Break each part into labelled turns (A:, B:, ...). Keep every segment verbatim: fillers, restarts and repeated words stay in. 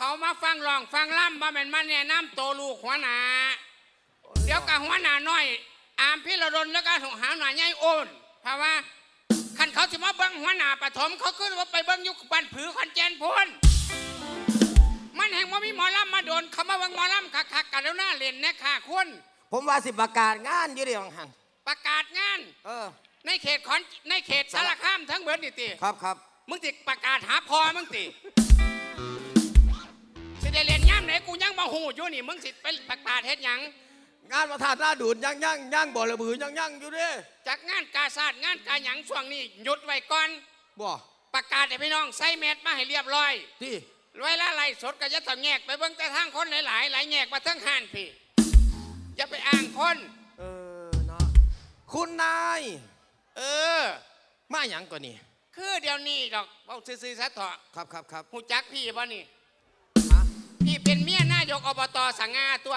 A: เขามาฟังร้องฟังล่ำบ่แม่นมาแนะนำโตลูกหัวหน้าเดี๋ยวกับหัวหน้าน้อยอามพี่ระดนแล้วก็หาหน่อยใหญ่โอนเพราะว่าคันเขาจะมาเบิ้งหัวหน้าปฐมเขาขึ้นว่าไปเบิ้งยุคบ้านผือคอนแจนพูนมันแห่งว่ามีหมอลำมาโดนเขามาเบิ้งหมอลำคักๆกันแล้วหน้าเล่นนะค่ะคุณ
B: ผมว่าสิประกาศงานอยู่เดียวหัน
A: ประกาศงาน
B: เออ
A: ในเขตขอนในเขตสารคามทั้งเบิดนี่ติ
B: ครับครับ
A: มึงติประกาศหาพอมึงติสิได้เล่นย่ำไหนกูยังมาหูอยู่นี่มึงสิไปประกาศเฮ็ดหยัง
B: งานประธานหน้าดูดยังยังยังบ่อระบือยังยังอยู่เด้
A: จากงานกาซาดงานกาหยังช่วงนี้หยุดไว้ก่อน
B: บ่
A: ประกาศให้พี่น้องใส่เม็ดมาให้เรียบร้อย
B: ที่
A: เวลาไล่สดก็จะต้องแยกไปเบิ่งแต่ทางคนหลายๆหลายแยกมาทั้งหันพี่จะไปอ้างคน
B: เออเนาะคุณนาย
A: เออ
B: มาหยังก่อนนี่
A: คือเดี๋ยวนี้ดอกเอาซื่อๆซะเถอะ
B: ครับครับครับ
A: หูจักพี่ป่ะนี่พี่เป็นเมียนายกอบตสังงาตัว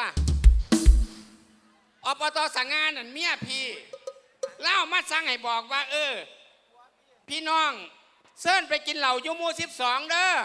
A: อบตสังงานั่นเมียพี่เล่ามาสั่งให้บอกว่าเออพี่น้องเซิ่นไปกินเหล้ายูมูสิบสองเด้อ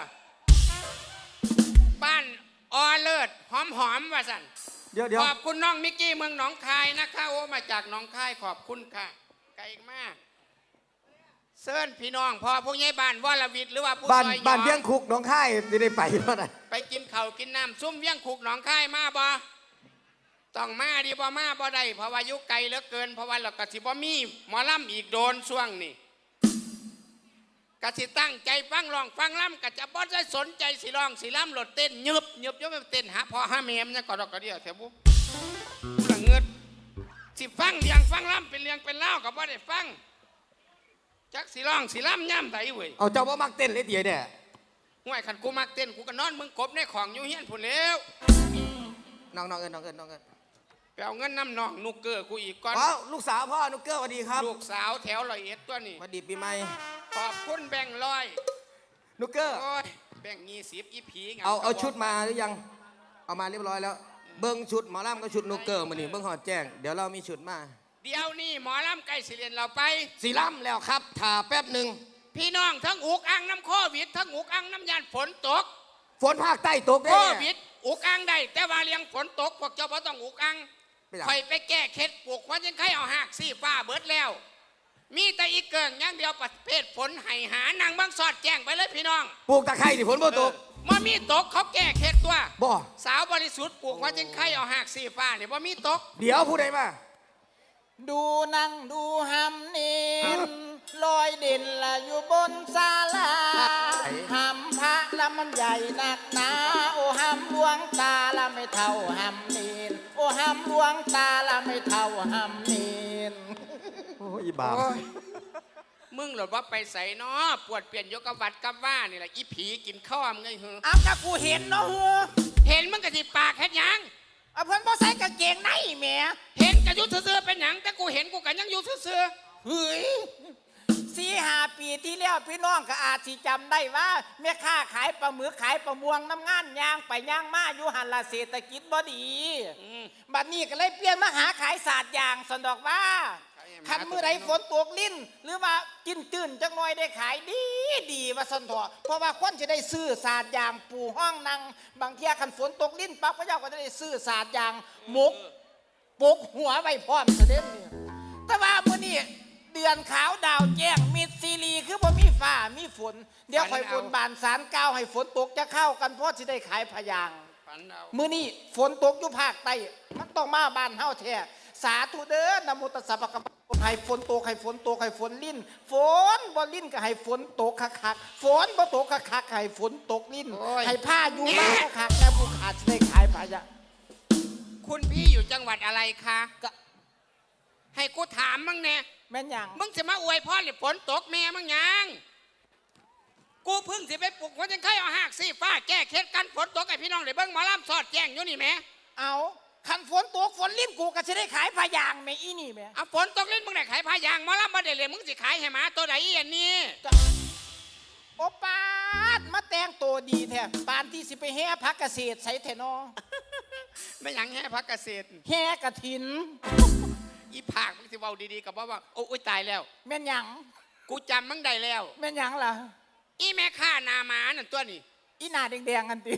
A: บ้านออเลิศหอมหอมว่าสัน
B: เดี๋ยวเดี๋ยว
A: ขอบคุณน้องมิกกี้เมืองหนองคายนะคะโอ้มาจากหนองคายขอบคุณค่ะไกลมากเซิ่นพี่น้องพอผู้ใหญ่บ้านวรวิทย์หรือว่าผู้
B: บ้าน
A: ซอย
B: บ้านเวียงคุกหนองคายจะได้ไปเท่าไหร่
A: ไปกินข้าวกินน้ำซุ่มเวียงคุกหนองคายมาบ่ต้องมาดีบ่มาบ่ได้เพราะว่ายุไกลเหลือเกินเพราะว่าเรากะสิบ่มีหมอลำอีกโดนช่วงนี้กะสิตั้งใจฟังร้องฟังลำกะจะบ่ได้สนใจสิร้องสิลำหลดเต้นยึบยึบยึบเต้นหาพอหาเมมเนี่ยก็ดอกกระเดียวแถวบุผู้ละเงิดสิฟังเลี้ยงฟังลำเป็นเลี้ยงเป็นเล่ากับบ่ได้ฟังจักสิร้องสิลำย่ำไถเว้ย
B: เอาเจ้าบ่มักเต้นเลยเดี๋ยวเนี่ย
A: ห่วยขันกูมักเต้นกูก็นอนมึงกบในของอยู่เฮียนผุนแล้ว
B: น้องน้องเอิญน้องเอิญน้องเอิญ
A: ไปเอาเงินน้ำน้องนุกเกอร์กูอีกก่อน
B: อ๋อลูกสาวพ่อนุกเกอร์สวัสดีครับ
A: ลูกสาวแถวลอยเอ็ดตัวนี้
B: สวัสดีปีใหม่
A: ขอบคุณแบ่งลอย
B: นุกเกอร์
A: โอ้ยแบ่งยี่สิบอีผี
B: เอาเอาชุดมาหรือยังเอามาเรียบร้อยแล้วเบิ้งชุดหมอลำก็ชุดนุกเกอร์มานี่เบิ้งหอดแจ้งเดี๋ยวเรามีชุดมา
A: เดี๋ยวนี่หมอลำใกล้สิเรียนเราไป
B: สีลำแล้วครับถ่าแป๊บหนึ่ง
A: พี่น้องทั้งอุกอังน้ำโควิดทั้งอุกอังน้ำยานฝนตก
B: ฝนภาคใต้ตกได้
A: โควิดอุกอังได้แต่ว่าเลี้ยงฝนตกพวกเจ้าพ่ต้องอุกอังคอยไปแก้เคล็ดปลูกว่ายังใครเอาหักซี่ฟ้าเบิดแล้วมีแต่อีกเกิงอย่างเดียวประเภทฝนไห้หานางบางสอดแจ้งไปเลยพี่น้อง
B: ปลูกตะไคร้ที่ฝนบ่ตก
A: มามีตกเขาแก้เคล็ดตัว
B: บ่
A: สาวบริสุทธิ์ปลูกว่ายังใครเอาหักซี่ฟ้าเนี่ยว่ามีตก
B: เดี๋ยวพูดได้มา
C: ดูนั่งดูหำนินลอยเด่นละอยู่บนศาลาหำพระละมันใหญ่หนักหนาโอ้หำหลวงตาละไม่เท่าหำนินโอ้หำหลวงตาละไม่เท่าหำนิน
B: โอ้ยบาป
A: มึงหลดว่าไปใส่เนาะปวดเปลี่ยนยกวัดกับว่านี่แหละอีผีกินข้าวมึงไงเหรอ
C: อ้าวแต่กูเห็นเนาะ
A: เห็นมึงกะทิปากแค่ยัง
C: เอาเพิ่นบ่ใส่กางเกงในแหม
A: เห็นกะยุเสือเป็นหยังแต่กูเห็นกูกันยังอยู่เสือ
C: เฮ้ยสี่ห้าปีที่แล้วพี่น้องก็อาจสิจำได้ว่าแม่ค้าขายปลาหมึกขายปลาม่วงน้ำงานย่างไปย่างมาอยู่หันละเศรษฐกิจบ่ดีบัดนี้ก็เลยเปลี่ยนมาหาขายศาสตร์อย่างสนดอกว่าคันเมื่อไรฝนตกลิ้นหรือว่ากินตื่นจักหน่อยได้ขายดีดีว่าสนทอเพราะว่าคนจะได้ซื้อศาสตร์อย่างปูห้องนั่งบางเที่ยคันฝนตกลิ้นปั๊บพระเจ้าก็จะได้ซื้อศาสตร์อย่างหมกปกหัวไว้พร้อมเสด็จนี่แต่ว่ามื้อนี้เดือนขาวดาวแจ้งมิดซีรีคือบ่มีฟ้ามีฝนเดี๋ยวคอยบนบานสารกาวให้ฝนตกจะเข้ากันเพราะสิได้ขายพยางมื้อนี้ฝนตกอยู่ภาคใต้มันต้องมาบ้านเฮาแท้สาธุเด้อนะโมตัสสะภะคะวะโตให้ฝนตกให้ฝนตกให้ฝนลิ้นฝนบ่ลิ้นก็ให้ฝนตกคักๆฝนบ่ตกคักๆให้ฝนตกลิ้นให้ผ้าอยู่มาคักๆแล้วผู้ขาดสิได้ขายพยาง
A: คุณพี่อยู่จังหวัดอะไรคะก็ให้กูถามมึงแน่
C: แม่นยัง
A: มึงจะมาอวยพ่อหรือฝนตกแม่มึงยังกูพึ่งสิไปปลุกว่ายังใครเอาหักซี่ฟ้าแก้เคล็ดกันฝนตกไอพี่น้องเลยเบิ้งหมอลำสอดแจ้งอยู่นี่แม่
C: เอาคันฝนตกฝนลิ้นกูก็จะได้ขายพยางแม่อีนี่แม่
A: เอาฝนตกลิ้นมึงได้ขายพยางหมอลำมาได้เลยมึงสิขายให้หมาตัวไหนอีอันนี้
C: โอปาดมาแต่งตัวดีแท้ปานที่สิไปแห่พักเกษตรใส่แทนอ
A: ไม่ยังแห่พักเกษตร
C: แห่กระถิน
A: อีผากมึงสิเว้าดีๆกับว่าว่าโอ้ยตายแล้ว
C: แม่นยัง
A: กูจำมึงได้แล้ว
C: แม่นยังล่ะ
A: อีแม่ข้านามานั่นตัวนี้
C: อีหน้าแดงๆกันติ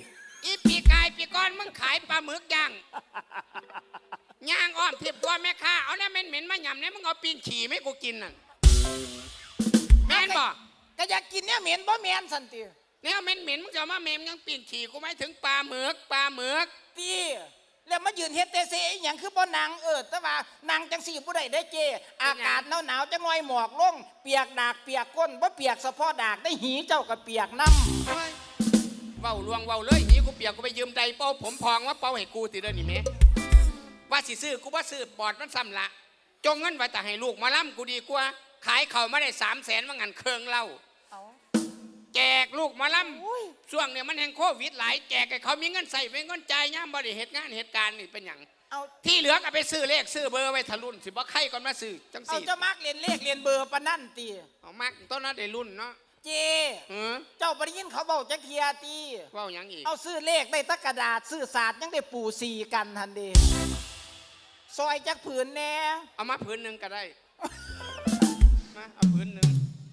A: อีปีกายปีก้อนมึงขายปลาหมึกย่างย่างอ้อมเทียบตัวแม่ค้าเอาเนี่ยเหม็นๆมาหยำเนี่ยมึงเอาปีนขี่ไม่กูกินน่ะแม่นบ่
C: ก็อยากกินเนี่ยเหม็นบ่แม่นสันติ
A: เนี่ยเหม็นๆมึงจะเอามาเมมยังปีนขี่กูไม่ถึงปลาหมึกปลาหมึก
C: ตีแล้วมายืนเฮ็ดเตเซอหย่างคือบ่นางเออแต่ว่านางจังสี่บ่ได้ได้เจ อากาศหนาวๆจังหน่อยหมอกลงเปียกดากเปียกก้นบ่เปียกเฉพาะดากได้หีเจ้าก็เปียกน้ำ
A: เฮ้ยเว้าลวงเว้าเลยหีกูเปียกกูไปยืมใดเป้าผมพองว่าเป้าให้กูติเด้อนี่แม่ว่าสิซื้อกูว่าซื้อปอดมันซ้ำละจงเงินไว้แต่ให้ลูกมาล่ำกูดีกว่าขายเขามาได้สามแสนว่างันเคืองเล่า
C: เอา
A: แจกลูกหมาล่
C: อุ้ย
A: ำช่วงเนี่ยมันแห่งโควิดหลายแจกให้เขามีเงินใส่เป็นเงินจ่ายย่ามบริเหตุงานเหตุการณ์นี่เป็นอย่าง
C: เอา
A: ที่เหลือก็ไปซื้อเลขซื้อเบอร์ไว้ทะลุนสิบ่ใครก่อนมาซื้อจัง
C: เอา
A: สี่
C: เจ้ามักเรียนเลขเรียนเบอร์ปะนั่นตี
A: เอามากต้นนั้นได้รุ่นเนาะ
C: เจ
A: เออ
C: เจ้าบ่ได้ยินเขาบอกจักเทียตี
A: เว่าหยังอีก
C: เอาซื้อเลขได้ตะกระดาษซื้อศาสตร์ยังได้ปูสีกันทันเดซอยจักผืนแน่
A: เอามาพื้นหนึ่งก็ได้มาเอาพื้นหนึ่ง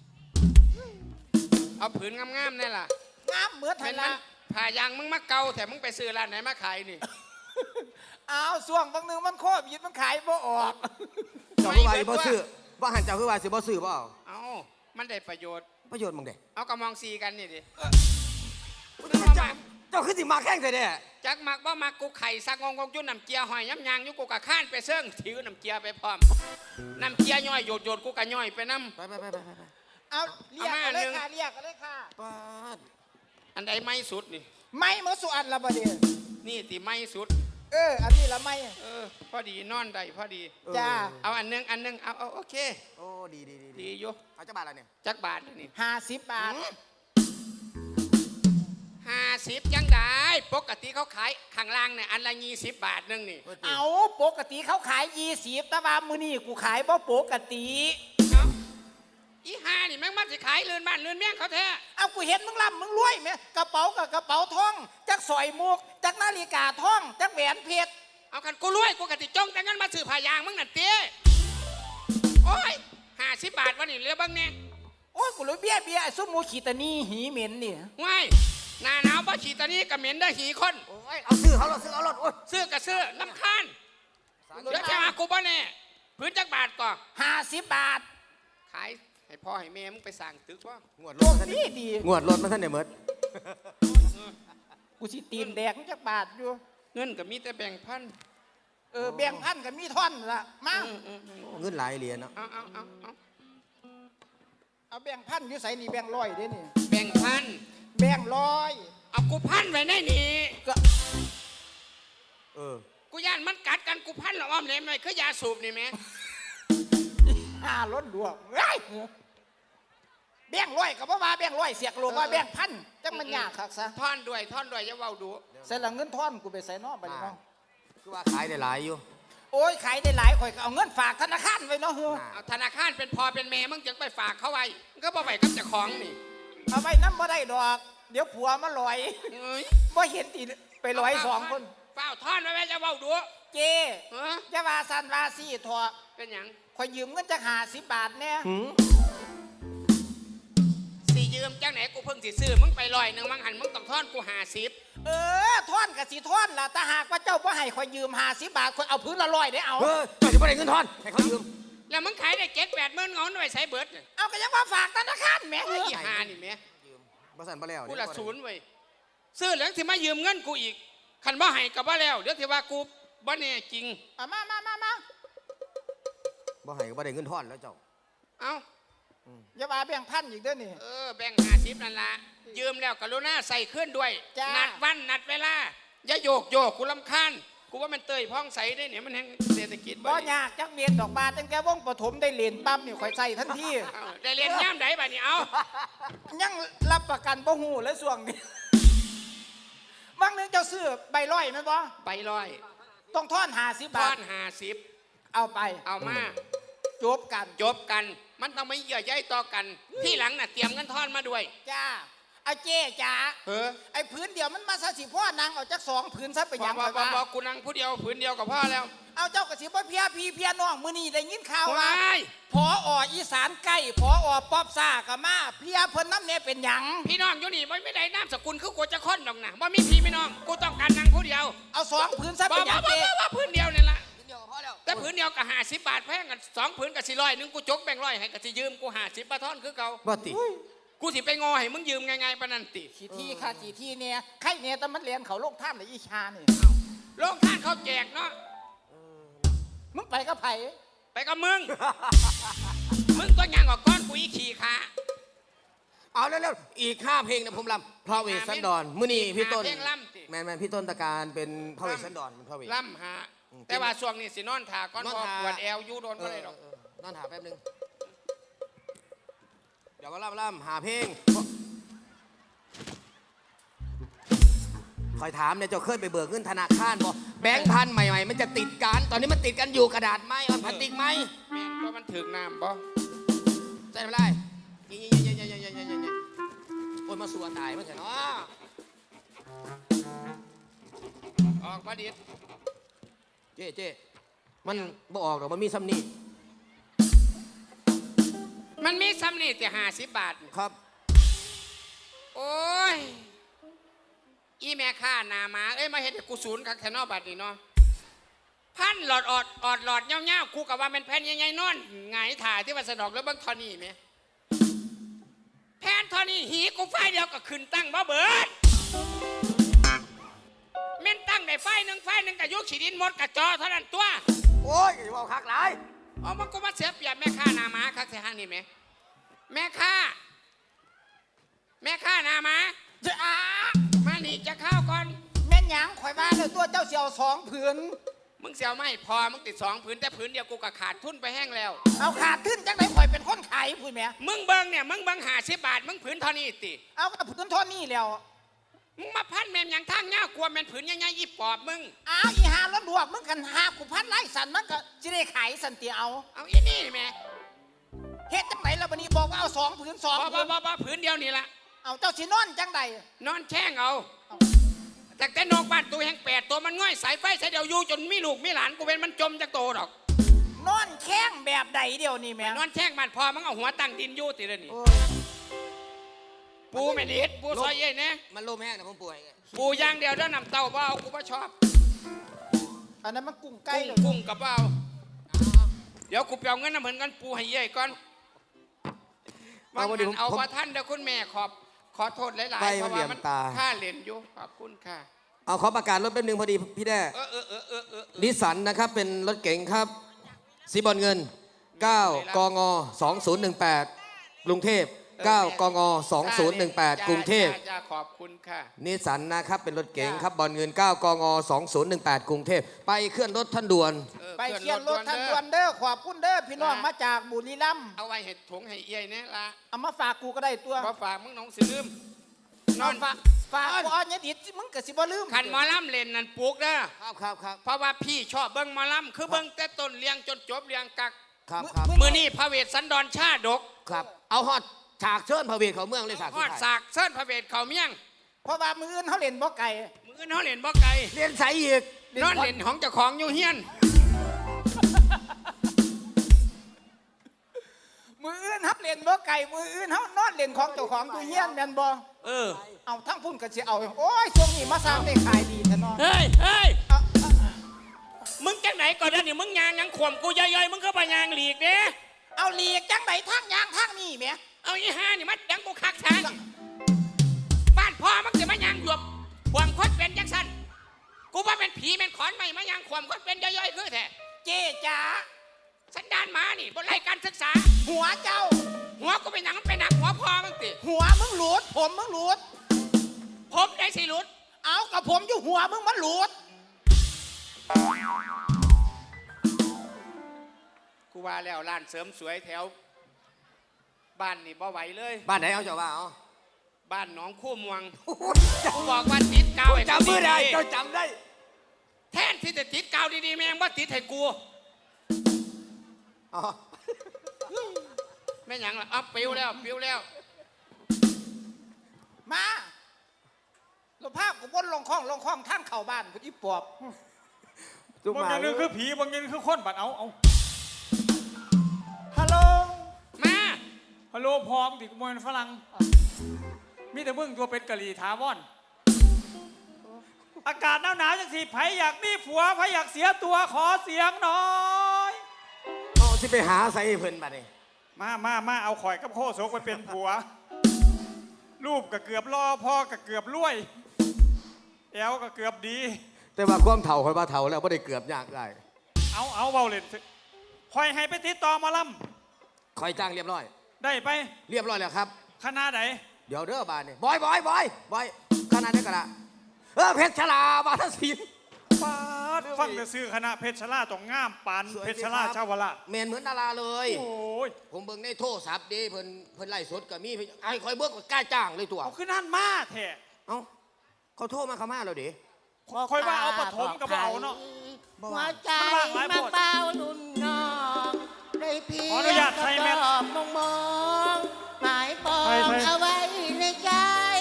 A: เอาผืนงามๆนี่ล่ะ
C: งามเหมือนไท
A: เป็
C: ย
A: น
C: ละ
A: มันผ่ายางมึงมาเกาแต่มึงไปซื้อร้านไหนมาขายนี่
C: เอาส่วงบางนึงมันโคบยิดมันขายบ่ออก
B: เจ้าคือว่าสิบ่ซื้อว่าหันเจ้าคือว่าสิบ่ซื้อบ่เอา
A: เอามันได้ประโยชน์
B: ประโยชน์มึงเด้
A: เอากระมองซีกันนี่ดิ
B: เจ้าเจ้าคือสิมาแข่งใส่เด้
A: จักมักบ่มักกูไข่ซักงงงจุ้นน้ำเจียหอยย้ำยางอยู่กูกะข้านไปเซิ่งถือน้ำเจียไปพร้อมน้ำเจียย่อยโยดโยดกูกะย่อยไปน้
B: ไปไปไปไปไป
C: เอาเรียก
A: เอามา
C: กันเลย
A: หนึ่ง
C: ค่ะเรียกกันเลยค่ะ
B: ปาด
A: ำอันใดไม่สุดนี่
C: ไม่เมื่อสุอันละบดเดีย
A: นี่ตีไม่สุด
C: เออ อันนี้ละไม่
A: เออพอดีนอนได้พอดี
B: เออ
C: จ้า
A: เอาอันหนึงอันหนึงเอาเอาโอเค
B: โอ้ดีดีดี
A: ดีอยู่
B: เอาจักบาทละเนี่ย
A: จักบาทนี่
C: ห้าสิบบาท
A: ห้าสิบยังได้ปกติเขาขายข้างล่างเนี่ยอันละยี่สิบบาทนึงนี่
C: เอาปกติเขาขายยี่สิบแต่ว่ามือนี่กูขายบ่ปกติ
A: เอาอีห้านี่แม่งมันสิขายเรือนบ้านเรือนเมี่ยงเขาแท้
C: เอากูเห็นมึงร่ำมึงรวยไหมกระเป๋ากับกระเป๋าทองจักสอยมุกจักนาฬิกาทองจักแหวนเพชร
A: เอากันกูรวยกูกติจงแต่งั้นมาซื้อผ้ายางมึงนั่นเตี้ยโอ้ยห้าสิบบาทวันนี้เหลือบ้างเนี่ย
C: โอ้ยกูเลยเบี้ยเบี้ยไอ้ซุมหมูขีตานีหีเหม็นนี่
A: ว้ายหน้าหนาวบ่ฉีดตอนนี้ก็เหม็นได้หีคน
B: โอ้ยเอาซื้อเขารถซื้อเอารถโอ้ย
A: ซื้อก็ซื้อลำคาญเดี๋ยวจะมากูบ่แน่พื้นจักบาทก่อน
C: ห้าสิบบาท
A: ขายให้พ่อให้แม่มึงไปสั่งตึกว่าง
B: วดร
C: โล
B: ถ
C: ก
B: มาท่าน
C: ดี
B: นี่
C: ดี
B: งวดรถมาท่านเนี่ยเมิด
C: กูสิตีนแดกจักบาทอยู่
A: เงินก็มีแต่แบ่งพัน
C: เออแบ่งพันกับมีท่อนละมา
A: เออเออเออ
B: เงินหลายเหรียญเนาะ
A: เอาเอาเอาเอา
C: เอาแบ่งพันอยู่ใส่นี่แบ่งร้อยเด้นี่
A: แบ่งพัน
C: แบ่งร้อย
A: เอากูพันไว้ในนี่
C: ก็
B: เออ
A: กูย่านมันกัดกันกูพันหรออ้อมเลยหน่อยคือยาสูบนี่แม่
C: ห้าล้นดวงเฮ้ยแบ่งร้อยกับว่าแบ่งร้อยเสียกโลว่าแบ่งพันจังมันยากคักซะ
A: ท่อนด้วยท่อนด้วยอย่าเว้าดู
C: ใส่ละเงินท่อนกูไปใส่นอกไปเนาะ
B: คือว่าขายได้หลายอยู่
C: โอ้ยขายได้หลายข่อยก็เอาเงินฝากธนาคารไว้เนาะเฮ้อ
A: เอาธนาคารเป็นพอเป็นแม่มึงจึงไปฝากเขาไว้มึงก็บ่ไปกับเจ้าของนี่
C: เอาไว้น้ำบ่ได้ดอก เดี๋ยวผัวมาลอย
A: เอ้ย
C: บ่เห็นตีไปลอยสองคน
A: เฝ้าท่อนไว้แม่จะเว้าดู
C: เจ
A: เออ
C: จะว่าสันว่าซี่ทอ
A: เป็นหยัง
C: ข่อยยืมเงินจักห้าสิบบาทแน่
B: หืม
A: สิยืมจังไหนกูเพิ่งสิซื้อมึงไปลอยหนึ่งมังหันมึงต้องท่อนกูหาสิบ
C: เออท่อนกับสีท่อนล่ะแต่หากว่าเจ้าบ่ให้ข่อยยืมห้าสิบบาทข่อยเอาพื้นละร้อยได้เอา
B: เออเจ้าจะไม่ได้เงินทอนให้เขายืม
A: แล้วมึงขายได้เจ็ดแปดหมื่นเงาหน่วยใส่เบิร์ดเนี่ย
C: เอาก็ยังว่าฝากธนาคารแหม่
A: ไอ้ยี่หานี่แม่
B: ยืมบ่สั่นบ่แล้ว
A: กูละศูนย์เว้ยซื้อแล้วที่มายืมเงินกูอีกคันบ่ให้กับบ่แล้วเดี๋ยวที่ว่ากูบ่แน่จริง
C: เอามามามามา
B: บ่ให้ก็บ่ได้เงินทอนแล้วเจ้า
A: เอ้า
C: อย่าว่าแบ่งพันอีกเด้อนี่
A: เออแบ่งหาสิบนั่นละยืมแล้วกรุณาใส่ขึ้นด้วย
C: จ้า
A: นัดวันนัดเวลาอย่าโยกโยกกูลำคาญกูว่ามันเตยพ้องใสได้เนี่ยมันแห่งเศรษฐกิจ
C: บ่ยากจักเรียนดอกบาทตั้งแต่วงปฐมได้เรียนปั๊บนี่ข่อยใส่ทันที
A: เอ้าได้เรียนย่ามไหนบ้านี่เอา
C: ยังรับประกันบ่ฮู้และส่วงนี้บางนึงเจ้าซื้อใบร้อยแม่นบ่
A: ไปลอย
C: ต้องท่อนห้าสิบ
A: ท
C: บา
A: อ
C: ท
A: นหาสิบ
C: เอาไป
A: เอามา
C: จบกัน
A: จบกันมันต้องไม่เยื่อใยต่อกัน ที่หลังน่ะเตรียมเงินทอนมาด้วย
C: จ้าเอาเจ๊จ๋า
A: เออ
C: ไอ้ผืนเดียวมันมาซะสิพ่อนางเอาจักสองผืนซะไป
A: บ
C: ห
A: อ
C: ยั
A: ก
C: ง
A: บอก
C: ข่อย
A: บอก
C: ว่า
A: บอกกูนั่งผู้เดียวผืนเดียวกับพ่อแล้ว
C: เอาเจ้ากระสิบ่เพียพี่เพียน้องมื้อนี้ได้ยินข่าวว่า
A: ว้าย
C: พอออีสานใกล้พออป๊อบซ่าก็มาเพียเพิ่นน้ำเนี่ยเป็นหยัง
A: พี่น้องอยู่นี่ไม่ได้น้ำสกุลคือกูจะค้นดอกนะว่ามีพี่พี่น้องกูต้องการนั่งผู้เดียว
C: เอาสองผืนซะ
A: บ
C: เป็
A: อน ก
C: หยั
A: ว่าง
C: เจ๊
A: ว่าผืนเดียวนี่ละ
B: เดียวกับพ่อแล้ว
A: แต่ผืนเดียวกับห้าสิบบาทแพงกันสองผืนกับสี่ร้อยนึงกูจกแบ่งร้อยให้กับสิยืมกูห้าสิบปะท่อนคือเก่า
B: บ่ติ
A: กูสิไปงอให้มึงยืมไงๆปะนันติ
C: กี่ที่ค่ะกี่ที่เนี่ยใครเนี่ยแต่มันเรียนเขาโลกท่ามในอีชานี่
A: โรงท่านเขาแจกเนาะ
C: มึงไปก็ไผ
A: ไปกับมึง มึงก็ยังออกก้อนกูอีขี่ขา
B: เอาเร็วๆอีกห้าเพลงนะผมรำพระเวสสันดรมื้อนี้พี่ต้น
A: เพลงล่ำติ
B: แมนแมนพี่ต้นตะการเป็นพระเวสสันดรเป็นพระเวส
A: ล่ำหา
B: อืม
A: แต่ว่าช่วงนี้สินอนถาก้อน
B: นอน
A: พอ
B: ท่า
A: ปวดแอวอยูโดน
B: เอ
A: ก็
B: อ
A: ได้ดอก
B: เออเออนอนหาแป๊บนึงเดี๋ยวก็ล่ำล่ำหาเพลงคอยถามเนี่ยเจ้าเคยไปเบิกเงินธนาคารบ่แบงค์พันใหม่ๆมันจะติดกันตอนนี้มันติดกันอยู่กระดาษไหมเอาพลาสติกไหม
A: แม่งก็มันถึกน้ำบ่
B: ใช่ไม่ได้ยี่ยี่ยี่ยี่ยี่ยี่ยี่ยี่โอ้ยมาสัวตายมั้งเถอะเนาะ
A: ออกมาดิด
B: เจ๊เจ๊มันบ่ออกหรอกมันมีซ้ำนี่
A: มันมีซ้ำนี่แต่ห้าสิบบาท
B: ครับ
A: โอ้ย อีแม่ข้าหนาหมาเอ้ยมาเห็นกูศูนย์คักแค่นอบัดนี่เนาะพันหลอดออดออดหลอดเงี้ยวๆกูกับว่าเป็นแผ่นใหญ่ๆนอนหงายถ่ายที่วัดสนอกแล้วเบิ้งทอนี่ไหมแผ่นทอนี่หีกูไฟเดียวก็ขึ้นตั้งบ่เบิดเม่นตั้งได้ไฟหนึ่งไฟหนึ่งกับยุกขีดินหมดกับจอเท่านั้นตัว
B: โอ้ยอย่าบอกคักหลาย
A: เอามันก็มาเสียเปรียบแม่ข้าหนาหมาคักแท้ฮันนี่ไหมแม่ข้าแม่ข้าหนาหมา
C: จะอา
A: มาหนีจะข้าวก่อน
C: แม่นหยังข่อยว่าเลยตัวเจ้าเสียวสองผืน
A: มึงเสียวไม่พอมึงติดสองผืนแต่ผืนเดียวกูก็ขาดทุนไปแห้งแล้ว
C: เอาขาดขึ้นจังไหนข่อยเป็นคนขายพูดแหม่
A: มึงเบิ้งเนี่ยมึงเบิ้งหาสิบบาทมึงผืนเท่านี้ติ
C: เอากับผืนเท่านี้แล้ว
A: มึงมาพันแมมอย่างทางเงากลัวแมนผืนยังไงอีปอบมึง
C: อ้าวอีหาแล้วบวกมึงกันหากูพันไล่สันมันก็จะได้ขายสันเตียเอา
A: เอาอีนี่แม่
C: เฮ็ดจังไหนแล้ววันนี้บอกว่าเอาสองผืนสอง
A: บ่
C: ผื
A: บ่
C: น
A: บ่บ่ผืนเดียวนี่ละ
C: เอาเจ้าสินอนจังใด
A: นอนแช่งเอาแต่แต่นอกบ้านตัวแห่งแปดตัวมันง่อยสายไฟสายเดียวอยู่จนมีลูกมีหลานกูเป็นมันจมจากโตดอก
C: นอนแข้งแบบใดเดียวนี่แหม่
A: นอนแช่งบ้านพอมึงเอาหัวตั้งดินอยู่ติเลยนี่
C: โอ้ย
A: ปูไม่ดีดปูซอยเย่เนี่ย
B: มันลมแห้งนะผมป่วย
A: ปูย่างเดียวแล้วนำเต้าเบเอากูบ่ชอบ
C: อันนั้นมันกุ้งไก่
A: กุ้ง
C: เลย
A: กุ้งกับเบาเดี๋ยวกูไปเอาเงินน้ำเหมือนกันปูให้เย่ก่อน
B: เอาวันนี้ผม
A: เอา
B: ผม
A: พอท่านเดี๋ยวคุณแม่ขอบขอโทษหลาย
B: ไป
A: ๆเพราะ
B: เหลี่
A: ว่าย
B: ม
A: มัน
B: ตา
A: ค่าเหรียญอยู่ขอบคุณค่ะ
B: เอาขอประกาศรถแป๊บนึงพอดีพี่แด้
A: เออเออเออเออเออ
B: นิสสันนะครับเป็นรถเก๋งครับสีบอลเงิน เก้า กง สองศูนย์หนึ่งแปด กรุงเทพ เก้า กง สองศูนย์หนึ่งแปด กรุงเทพ
A: จ้าขอบคุณค่ะ
B: นิสสันนะครับเป็นรถเก๋งครับบอลเงิน เก้า กง สองศูนย์หนึ่งแปด กรุงเทพไปเคลื่อนรถท่านด่วน
A: ออ
C: ไป
A: ขึ้
C: เคียนรถท่านด่วนเด้อขอบคุณเด้อพี่น้องมาจากบุรีรัมย์
A: เอาไว้เห็ดถุงให้เอี้ยเนี่ยละ
C: เอามาฝากกูก็ได้ตัว
A: พอฝากมึงน้องสิลืมน
C: น
A: อ
C: อน นฝากฝากกูเอาเนี่ยดิมึงก็สิบ่ลืม
A: ขันหมอลำเล่นนั่นปลูกเด้อ
B: ครับครับครับ
A: เพราะว่าพี่ชอบเบิ้งหมอลำคือเบิ้งแต่ต้นเลี้ยงจนจบเลี้ยงกัก
B: ครับครับ
A: มือนี่พระเวทสันดรชาดก
B: ครับ เอาฮอดฉากเชิญพระเวทเขาเมืองเลยฉาก
A: ฮ
B: สุ
A: อ
B: ด
A: ด
B: ท้าย
A: สากเส้นพระเวทเขาเมี่ยง
C: เพราะว่ามืออื่นเขาเล่นบ่ไก่
A: มืออื่นเขาเล่นบ่ไกล
B: เรียนใสอีก
A: นอนเล่นของเจ้าของอยู่เฮียน
C: มืออื่นเขาเล่นบ่ไก่มืออื่นเขานอนเล่นของเจ้าของอยู่เฮียนแม่นบ่
A: เออ
C: เอาทั้งพุ่นก็สิเอาโอ้ยช่วงนี้มาสร้างได้ขายดีแท้เนาะ
A: เฮ้ยเฮ้ย
C: เอาเอา
A: มึงจังไหนก่อนนะนี่มึงยางยังข่มกูย่อยๆมึงก็ไปยางหลีกเด้
C: เอาหลีกจังไดทางยางทางนี้แหม
A: เอาอีห้านี่มันดังกูคักทางบ้านพ่อมันจะมายางหยวบความคดเป็นจังสันกูว่าเป็นผีเป็นขอนไม่มายางความคดเป็นย่อยๆคือแท้
C: เจ๊จ๋า
A: สันดานหมานี่บนไล่การศึกษา
C: หัวเจ้า
A: หัวกูเป็นหนังมันเป็นหนักหัวพ่อมึงติ
C: หัวมึงหลุดผมมึงหลุด
A: ผมได้สิหลุด
C: เอากับผมอยู่หัวมึงมันหลุด
A: กูว่าแล้วร้านเสริมสวยแถว บ้านนี่บ่ไหวเลย
B: บ้านไหนเอาเจ้าว่าเอา
A: บ้านหนองคู่มวงกูบอกว่าติดกาวให้กู
B: จำไม่ได้
A: ดี
B: เจ้าจำได้
A: ๆแทนที่จะติดกาวดีๆแม่งว่าติดให้กู
B: อ๋อ
A: แม่งหยังล่ะอัพปิวแล้วปิวแล้ว
C: มาเราพากูวนลงคลองลงคลองทางเข้าบ้านกูอีปอบ
B: จุ๊บบ
D: าง
B: มา
D: อย่างหนึงคือผีบางอย่างหนึงคือคนบัดเอาเอา
C: ฮัลโหล
A: มา
D: ฮัลโหลพร้อมติกมวยฝรั่งมีแต่มึงตัวเป็นกะหรี่ถาวรอากาศหนาวๆจังสิไผอยากมีผัวไผอยากเสียตัวขอเสียงหน่อย
B: เอาสิไปหาใส่เพิ่นบัดนี้
D: มามามาเอาข่อยกับโคโซกไปเป็นผัว รูปก็เกือบล่อพ่อก็เกือบรวยแอวก็เกือบดี
B: แต่ว่าความเฒ่าคอยว่าเฒ่าแล้วบ่ได้เกือบยากได้
D: เอาเอาเบาเล่นสิคอยให้ไปติดต่อหมาล
B: คอยจ้างเรียบร้อย
D: ำได้ไป
B: เรียบร้อยแล้วครับ
D: คณะไหน
B: เดี๋ยวเด้อบานนี่บอยบอยบอยบอยขนาดนี้ก็ละเออเพชรชลาบาทศิลป์
D: ปาดฟังแต่ซื้อคณะเพชรชลาต้องงามปาน
B: สวย
D: เพชร
B: สิ
D: ช
B: ครั
D: ลา
B: บ
D: ชาวราช
B: เมนเหมือนดาราเลย
D: โอ้ย
B: ผมเบิ่งในโทรศัพท์ดีเพิ่นเพิ่นไล่สดก็มีไอ้คอยเบิ่งก็กล้าจ้างเลยตัว
D: เอาขึ้นนั่นมาแท้
B: เอ้าเขาโทรมาเขามาแล้วดิ
D: คอยว่าเอาปฐมกับเอาเนาะ
E: หัวใจ
D: มันว่างหลาย
E: มา
D: โพด
E: เบาลุ่นน้องได้เพีย
D: ขออนุญาตใส่แมส
E: ตอบมองมองหมายปอง
D: ใส่ใส่
E: เอาไว้ในใจ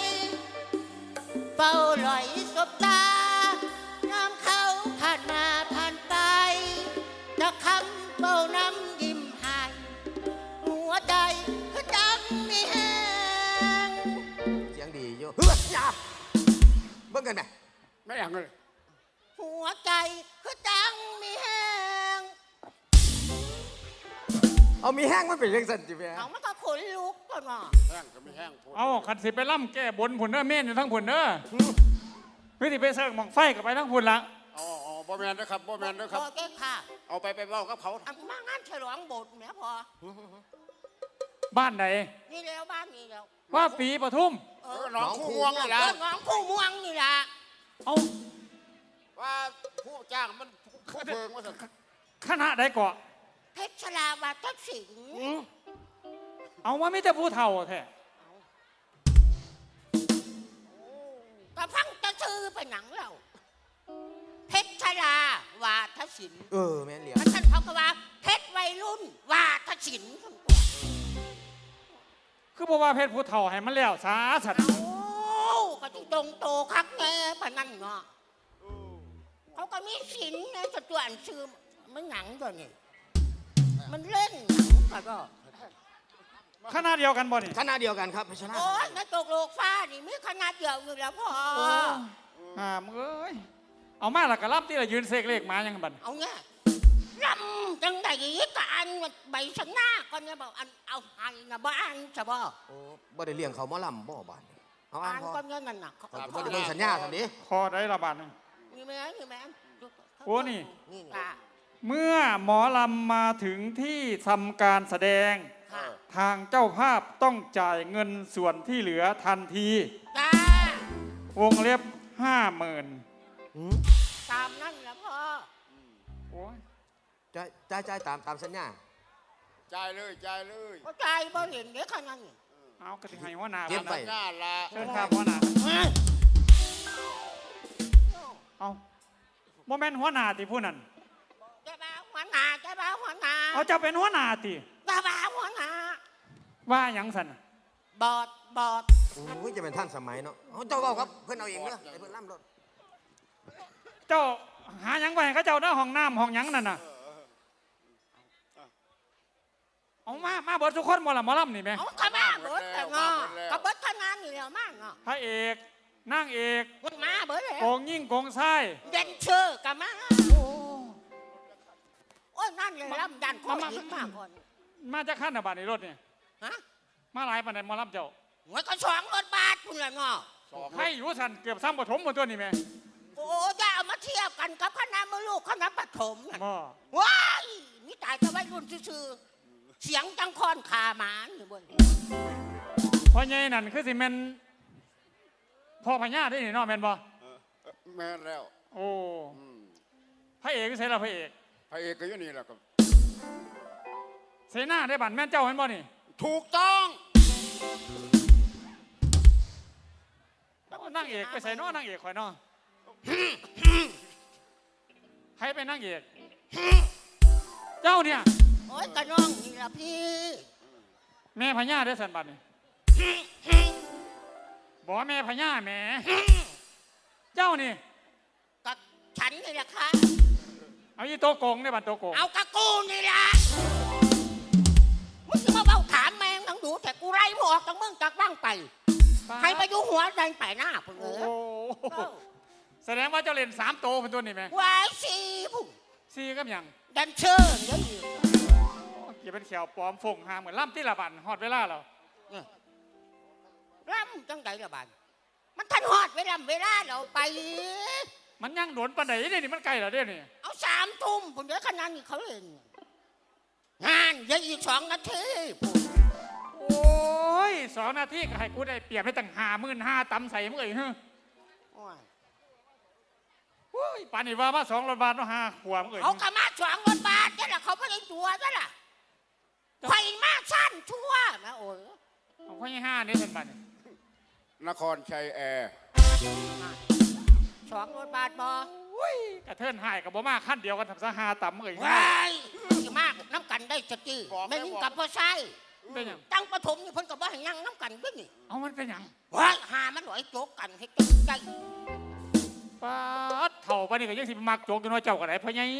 E: เฝ้าลอยสบตาน้ำเขาผ่านมาผ่านไปตะคำเฝ้าน้ำยิ้มให้หัวใจก็จังมีแหง
B: เสียงดีอยู่เฮ้ยอย่าเบิ่งกันไหม
A: ไม่อย่างเลย
E: หัวใจก็จังมีแหง
B: เอามีแห้งมันเป็นเรื่องสันจิแม่
E: เอามันก็ขนลุกก่อนเนาะ
A: แห้งก็ไม่แห้งพูด
D: เอาขันสิไปล่ำแก้บนผุนเด้อเม่นอยู่ทั้งผุนเด้อวิธีไปเสิร์ฟหมองไฟกับไปทั้งผุนละ
A: อ๋ออ๋อบ่แมนนะครับบ่แมนนะครับ
E: พอแก้ค่ะ
A: เอาไปไปเว้ากับเขา
E: อันมางานฉลองโบสถ์เนี่ยพอ
D: บ้านไหน
E: นี่แล้วบ้านนี่แล้ว
D: ว่าปีปทุม
E: เอ
A: เอ
E: อ
A: อน้องคู่ม่วงนี่
E: เอ
A: แหละ
E: อน้องผู้ม่วงนี่ล่ะ
D: เอา
A: ว่าผู้จ้างมันผู้เพิงว่าสัน
D: คณะใดเกาะ
E: เพชรชลาวัฒน์สิงห์
D: เอาว่าไม่แต่ผู้เฒ่าแท้
E: ก็ฟังจะชื่อไปหนังเราเพชรชลาวาทศิลป์
B: เออแม่นเหลีย
E: มันท่านเขาก็ว่าเพชรวัยรุ่นวาทศิลป์
D: คือบอกว่าเพศผู้เฒ่าให้มันแล้วสาสัตว์
E: เอาก็ที่ตรงโตคักแน่ปะนั่นเนาะเขาก็มีศิลป์ในสตัวอันชื่อมันหนังตัวนี้มันเล่นหนังก็ก็
D: คณะเดียวกันบ่นี่
B: คณะเดียวกันครับเพชรชลา
E: โอ้ยในตกโลกฟ้านี่มีขนาดเดียวอยู่แล้วพ่อ
D: อ่ามึงเอ้ยเอามาและกะรับที่เรายืนเสกเลขมายังบัน
E: เอาเนี่ยลำจังไดกะอันใบชนะก่อนเนี่ยบอกอันเอาอันนะบ้านใช่ป่ะ
B: โอ้บ่ได้เลี้ยงเขาหมอลำบ่บานเอาอ่า
E: อั
B: น
E: น
B: พอ
E: ก่อนเนี่ยนั่นน่ะ
B: เขาก็บ่ได้เบิ่งสัญญาทำดิ
D: คอได้ระบาดหนึ่ง
E: มีไหมมีไหม
D: โอ้นี่
B: นี่นี่
E: ค่ะ
D: เมื่อหมอลำมาถึงที่ทำการแสดง
E: ค่ะ
D: ทางเจ้าภาพต้องจ่ายเงินส่วนที่เหลือทันที
E: จ้าว
D: งเล็บห้าหมื่น
B: หืม
E: ตามนั่นแหละพ่อ
D: โอ้ย
B: จ่ายจ่ายจ่ายตามตามสัญญา
A: จ่ายเลยจ่ายเลย
E: ก็ใจบ่เห็นเด็กขนาดนี้
D: เอากระถิ่งให้หัวหน้า
B: เก็บ
D: ก่อน
B: ไว้
D: นะ
A: หน้าละ
D: เชิญครับหัวหน้าเอาโมเมนต์หัวหน้าติผู้นั้น
E: จะบ้าหัวหน้าจะบ้าหัวหน้า
D: เอาเจะเป็นหัวหน้าติ
E: จะบ้าหัวหน้า
D: ว่าหยังสัน
E: บอดบอด
B: โอ้ยจะเป็นท่านสมัยเนาะเอาเจ้าเอาครับเพิ่นเอาเองเด้อให้เพิ่นล่ำรถ
D: เจ้าหาหยังไปให้เขาเจ้าเด้อห้องน้ำห้องหยังนั่นน่ะเอามามาเบิดทุกคนหมดละหมอลำนี่ไหม
E: เอากระบ้าเบิดแต่เนาะกระเบิดทำงานนี่แล้วมากเนาะ
D: พระเอกนางเอก
E: มันมาเบิดเลย
D: โกงยิ่งโกงไส้
E: เด่นเชื่อกะมาโอ้ยนั่นเลยลำดันข้อหินมากคน
D: มาจากขั้นอะบาทในรถเนี่ย
E: ฮะ
D: มาหลายปันในมอลำเจ้า
E: หัวก็สองรถบาทคุณละเนาะ
A: สอง
D: ให้อยู่สันเกือบซ้ำปฐมหมดตัวนี่ไหม
E: โอ้จะเอามาเทียบกันกับคณะมือลูกคณะปฐมน่ะ
D: บ่
E: ว้ายนี่ตายจะไว้รุ่นซื่อๆเสียงจังคอนขาหมาอยู่บน
D: เพราะไงนั่นคือสิแมนพ่อพญาได้นี่เนาะแมนบ่
A: แม่นแล้ว
D: โอ้
A: อืม
D: พระเอกคือใส่ละพระเอก
A: พระเอกก็อยู่นี่แหละครับ
D: เสนาได้บัตรแม่นเจ้าแม่นบ่นี่
A: ถูกต้อง
D: แล้วนางเอกไปใส่เนาะนางเอกข่อยเนาะใครเป็นนางเอกเจ้าเนี่ย
E: โอ้ยกระน้องนี่ละพี่
D: แม่พญาได้สันบัตรนี่บบอกว่าแม่พญาแหม่ เจ้านี่
E: กับฉันนี่แหละค่ะ
D: เอาอีโตโกงได้บัดโตโกง
E: เอากระกูนี่ละมึงจะมาเบ้าถามแมงทั้งดูแต่กูไล่มึงออกจากมึงจากบ้างไปให้ไปอยู่หัวใจไปหน้าพุ่งเอ
D: โอ้
E: อ
D: โหแสดงว่าเจ้าเล่นสามโตเป็นตัวนี่ไหม
E: วายสีพุ่ง
D: ซีกับหยัง
E: ดันเชิญเดี๋ยวอยู่
D: เกี่ยวเป็นแขวปลอมฟงหาเหมือนล่ำที่ละบันฮอดเวลาเรา
E: ร่ำจังใดละบานมันทันหอดเวลาเวลาเราไป
D: มันยังโดนปันไหนเนี่ยนี่มันไกลเหรอเดี๋ยวนี้
E: เอาสามทุ่มพุ่งเดี๋ยวขนาดนี้เขาเล่นงานยังอีกสองนาทีพุ่ง
D: โอ้ยสองนาทีก็ให้กูได้เปรียบให้ตั้งห้าหมื่นห้าตำใส่มึงเอ้ยเฮ้ย
E: โอ้ย
D: โอ้ยป่านนี้ว่ามาสองรถบาทเนาะห้าขวบมึงเอ้ย
E: เขากระมาสองรถบาทนี่แหละเขาไม่ได้ตัวนั่นแหละไฟมาสั้นชั่วนะโอ้ย
D: เอาไว้ให้ห้านี่เป็นบัตร
A: นครชัยแอร์
E: สองรถบาทบอก
D: ระเทินหายกับบ่มาขั้นเดียวกันทำซะห้าตำมึงเอ้ย
E: ว้ายจะมากน้ำกันได้สกี้ไม่ยิ่งกับพ่อไส้
D: เป็นหยัง
E: ตั้งปฐมนี่เพิ่นกับว่าให้ยังน้ำกันด้วยนี่
D: เอามันเป็นหยัง
E: ว้ายหามันหน่อยโจกกันให้จังใจ
D: ป้าดเถ่าปานนี้ก็ยังสิมามักโจกกันว่าเจ้ากันไหนพ่อใหญ่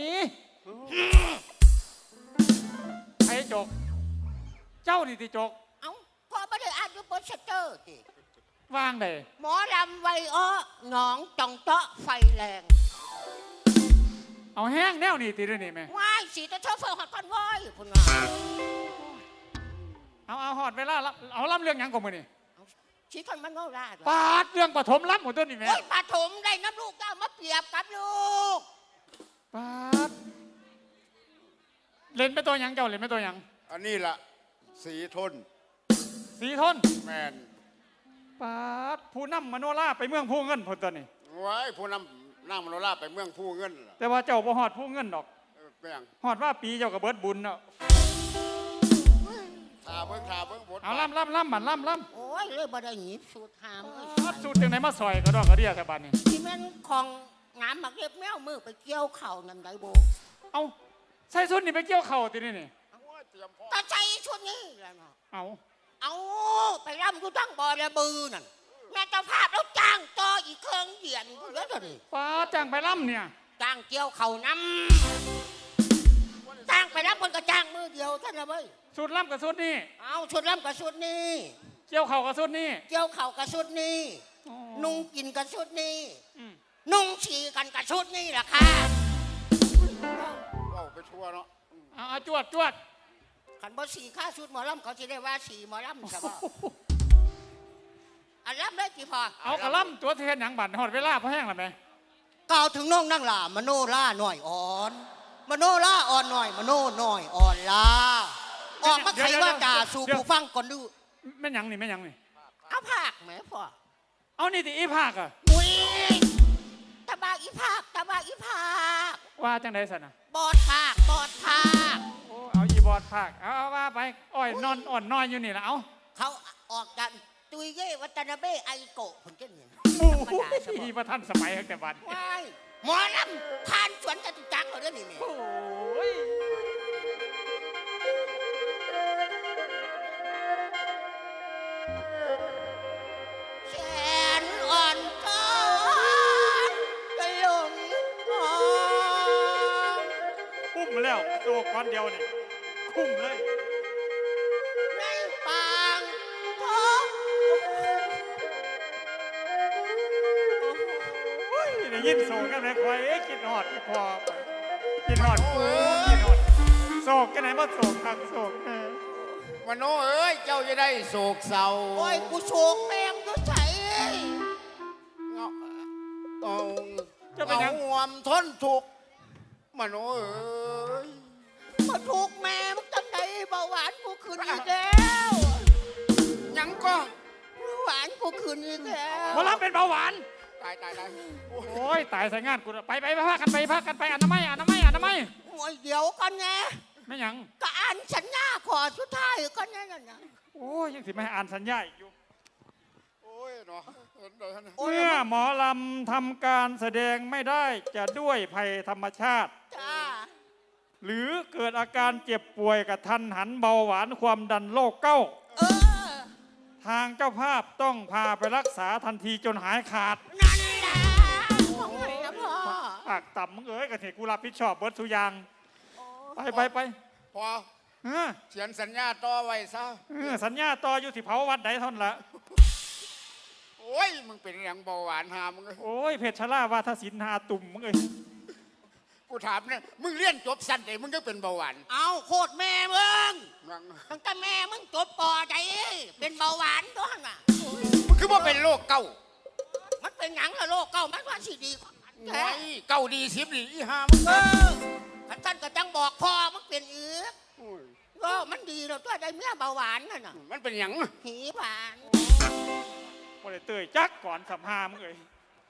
D: ไอ้โจกเจ้านี่ติโจก
E: เอ้าพอไม่ได้อ่านอยู่โปสเตอร์สิ
D: ว่างเลย
E: หมอลำไวอ้อหนองจองเจาะไฟแรง
D: เอาแห้งแนวนี่ติด้วยนี่แม่
E: ว้ายสีตะเชอเฟอร์ฮอตคอนวอยพุ่นว่า
D: เอาเอาหอดเวลาละเอาล่ำเรื่องหยังก่อนมือนี่
E: สีทอนมันโนราด
D: ปาดเรื่องปฐมล่ำหมดตัวนี่แม่
E: โอ้ยปฐมได้น้ำลูกก็เอามาเปรียบกับลูก
D: ปาดเล่นเป็นตัวหยังเจ้าเล่นเป็นตัวหยัง
A: อันนี้ล่ะสีทน
D: สีทน
A: แมน
D: ปาดผู้นำมโนราไปเมืองผู้เงินผลตัวนี่
A: ไว้ผู้นำนั่งมโนราไปเมืองผู้เงินล่ะ
D: แต่ว่าเจ้าบ่หอดผู้เงินดอก
A: เออเป็นหยัง
D: หอดว่าปีเจ้ากับเบิดบุญเนาะ
A: ทาเบิ้งทาเบิ้งบท
D: เอาล่ำล่ำล่ำบันล่ำล่
E: โอ้ยเลยบ่ได้หยิบสูตรหามเอ้ย
D: ำปัดสูตรจังไหนมาซอยก็ดอกกระเดียแต่บัดนี่
E: ที่แม่นของงามมักเรียบแมวมือไปเกี่ยวเข่านั่นได้โบ
D: เอาใส่สุดนี่ไปเกี่ยวเข่าตินี่นี่
A: โอ้ยเตรียมพร้อม
E: ตาใจชุดนี้แหล้วเนาะ
D: เอา
E: เอาไปร่ำอยู่ตั้งบ่อระบือนั่นแม่เจ้าภาพแล้วจ้างต่ออีกเครื่องเดียนเยอะเลย
D: ปาดจ้างไปล่ำเนี่ย
E: จ้างเกี่ยวเข่าน้ำจ้างไปร่ำคนก็จ้างมือเดียวท่านละเว้ย
D: สูตรล่ำกับสูตรนี่
E: เอาชุดร่ำกับชุดนี้
D: เกี่ยวเข่ากับสูตรนี่
E: เกี่ยวเข่ากับชุดนี้
D: อ๋อ
E: นุ่งกินกับชุดนี้
D: อืม
E: นุ่งฉี่กันกับชุดนี้แหละค่ะ
A: เอาไปทั่วเนาะ
D: เอาเอาจวดจวด
E: ขันบ่สีค่าชุดหมอลำเขาจะได้ว่าสีหมอลำใช่ปะอันลำได้กี่พอ
D: เอากระล่ำตัวเทนหยังบัดหอดเวลาพอแห้งแล้วไหม
E: กล่าวถึงน้องนั่งหล่ามโนล่าหน่อยอ่อน มโนล่าอ่อนหน่อย มโนหน่อยอ่อนล่าออกมาไขว่าจ่าสู่ผู้ฟังก่อนดู
D: แม่นหยังนี่แม่นหยังนี่
E: เอาภาคไหมพ่อ
D: เอานี่ติอีภาคอะ
E: อุ้ยตะบาอีภาคตะบาอีภาค
D: ว่าจังไดสันนะ
E: บอดภาคบอดภาค
D: โอ้เอาอีบอดภาคเอาเอาว่าไปอ้อยนอนอ่อนน้อยอยู่นี่ละเอา
E: เขาออกกันตุยเย่วัตนาเบะไอโกะผมจะเห็น
D: โอ้ยประท่านสมัยตั้งแต่บัด
E: ว้ายหมอลำผ่านสวนจตุจักรเขาเรื่องนี้เนี่ย
D: โอ้ย
E: แสนอ่อนก้อนกระหลงอ่อน
D: คุ้มแล้วโตก้อนเดียวนี่คุ้มเลย
E: ในปางท้อง
D: โอ้ยได้ยินโศกกันไหมคอยเอ๊ะกินหอดอีพอไปกินหอดกูกินหอดโศกกันไหนมาโศกทางโศกเออ
A: มโนเอ้ยเจ้าจะได้โศกเศร้า
E: โอ้ยกูโศกแมงก็ใส่
A: เงาเอา
D: จะเป็นหยัง
A: เอาหวมทนทุกข์มโนเอ้ย
E: มาถูกแม่มึงตั้งไหนเบาหวานกูขึ้นอีกแล้ว
A: ยังก็
E: เบาหวานกูขึ้นอีกแล้ว
D: หมอลำเป็นเบาหวาน
A: ตายตายตายโอ้ย
D: โอ้ยตายใส่งานกูแล้วไปไปไปพากันไปพากันไปอนามัยอนามัยอนามัย
E: โอ้ยเดี๋ยวก่อนไง
D: ไม่หยัง
E: ก็อ่านสัญญาขอสุดท้ายก่อนไงนั่นนะ
D: โอ้ยยังสิไม่ให้อ่านสัญญาอีกอยู่
A: โอ้ยเนาะเห็นเลยนะ
E: โอ้ย
D: เมื่อหมอลำทำการแสดงไม่ได้จะด้วยภัยธรรมชาติ
E: จ้า
D: หรือเกิดอาการเจ็บป่วยกระทันหันเบาหวานความดันโรคเก้า
E: เออ
D: ททางเจ้าภาพต้องพาไปรักษาทันทีจนหายขาด
E: นั่นแหละของไหนนะพ่อ
D: ปากต่ำมึงเอ้ยกระเทกูรับผิดชอบเบิร์ดสุอยางไปไปไป
A: พอ
D: เออ
A: เขียนสัญญาต่อไว้ซะ
D: เออสัญญาต่ออยู่สิเผาวัดใดท่อนละ
A: โอ้ยมึงเป็นอย่างเบาหวานหามึงเอ้ย
D: โอ้ยเพชรชลาวาทศิลป์หาตุ่มมึงเอ้ย
A: กูถามเนี่ยมึงเรียนจบสั้นแต่มึงก็เป็นเบาหวาน
E: เอาโคตรแม่มึง
A: นั่ง
E: ตั้งแต่แม่มึงจบปอใจเป็นเบาหวานตัวน่ะ
A: มึงคือว่าเป็นโรคเก้า
E: มันเป็นหยังละโลกเก่ามันว่าสิดีกว่ากัน
A: ไง
E: แท้
A: เก้าดีสิบดีอีห้ามึง
E: เออขันท่านก็จังบอกพ่อมันเป็นอีก
A: โอ้ย
E: เออมันดีแล้วตัวได้เมียเบาหวานน่ะน่ะ
A: มันเป็นอย่าง
E: หีหวาน
D: บ่ได้เตยจักก่อนสัมหามึงเอ้ย